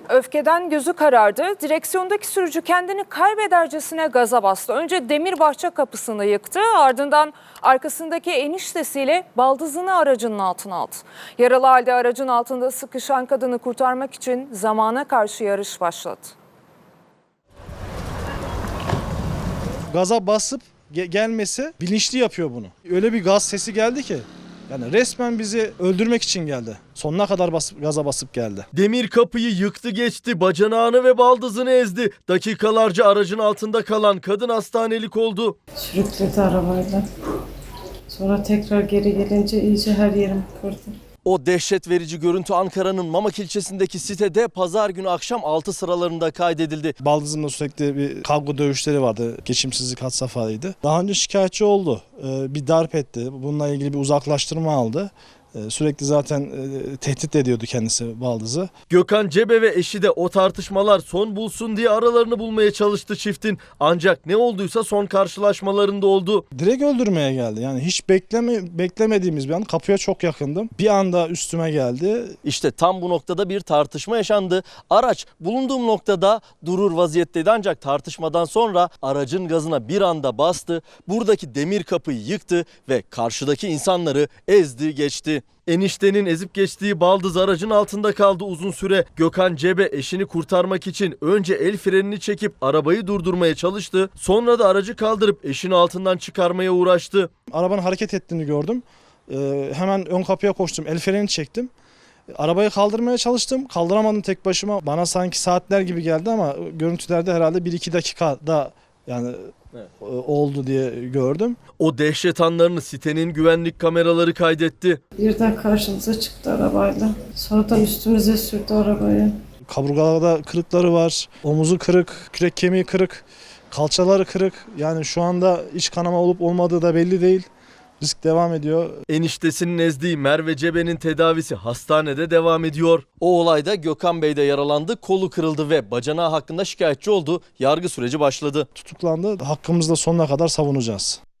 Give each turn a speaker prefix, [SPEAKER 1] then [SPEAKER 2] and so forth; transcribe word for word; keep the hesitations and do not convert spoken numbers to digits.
[SPEAKER 1] Öfkeden gözü karardı. Direksiyondaki sürücü kendini kaybedercesine gaza bastı. Önce Demirbaşça kapısını yıktı. Ardından arkasındaki eniştesiyle baldızını aracının altına aldı. Yaralı halde aracın altında sıkışan kadını kurtarmak için zamana karşı yarış başladı.
[SPEAKER 2] Gaza basıp ge- gelmesi bilinçli yapıyor bunu. Öyle bir gaz sesi geldi ki. Yani resmen bizi öldürmek için geldi. Sonuna kadar basıp, gaza basıp geldi.
[SPEAKER 3] Demir kapıyı yıktı geçti, bacanağını ve baldızını ezdi. Dakikalarca aracın altında kalan kadın hastanelik oldu.
[SPEAKER 4] Sürükledi arabayla. Sonra tekrar geri gelince iyice her yerim kırdı.
[SPEAKER 3] O dehşet verici görüntü Ankara'nın Mamak ilçesindeki sitede pazar günü akşam altı sıralarında kaydedildi.
[SPEAKER 2] Baldızımla sürekli bir kavga dövüşleri vardı. Geçimsizlik had safhadaydı. Daha önce şikayetçi oldu. Ee, bir darp etti. Bununla ilgili bir uzaklaştırma aldı. Ee, sürekli zaten e, tehdit ediyordu kendisi baldızı.
[SPEAKER 3] Gökhan Cebe ve eşi de o tartışmalar son bulsun diye aralarını bulmaya çalıştı çiftin. Ancak ne olduysa son karşılaşmalarında oldu.
[SPEAKER 2] Direkt öldürmeye geldi. Yani hiç bekleme, beklemediğimiz bir an, kapıya çok yakındım. Bir anda üstüme geldi.
[SPEAKER 3] İşte tam bu noktada bir tartışma yaşandı. Araç bulunduğum noktada durur vaziyetteydi ancak tartışmadan sonra aracın gazına bir anda bastı. Buradaki demir kapıyı yıktı ve karşıdaki insanları ezdi geçti. Eniştenin ezip geçtiği baldız aracın altında kaldı uzun süre. Gökhan Cebe eşini kurtarmak için önce el frenini çekip arabayı durdurmaya çalıştı. Sonra da aracı kaldırıp eşini altından çıkarmaya uğraştı.
[SPEAKER 2] Arabanın hareket ettiğini gördüm. Ee, hemen ön kapıya koştum. El frenini çektim. Arabayı kaldırmaya çalıştım. Kaldıramadım tek başıma. Bana sanki saatler gibi geldi ama görüntülerde herhalde bir iki dakikada yani evet, oldu diye gördüm.
[SPEAKER 3] O dehşet anlarını sitenin güvenlik kameraları kaydetti.
[SPEAKER 4] Birden karşımıza çıktı arabayla. Sonradan üstümüze sürdü arabayı.
[SPEAKER 2] Kaburgalarda kırıkları var. Omuzu kırık, kürek kemiği kırık, kalçaları kırık. Yani şu anda iç kanama olup olmadığı da belli değil. Risk devam ediyor.
[SPEAKER 3] Eniştesinin ezdiği Merve Cebe'nin tedavisi hastanede devam ediyor. O olayda Gökhan Bey de yaralandı, kolu kırıldı ve bacanağı hakkında şikayetçi oldu. Yargı süreci başladı.
[SPEAKER 2] Tutuklandı. Hakkımızda sonuna kadar savunacağız.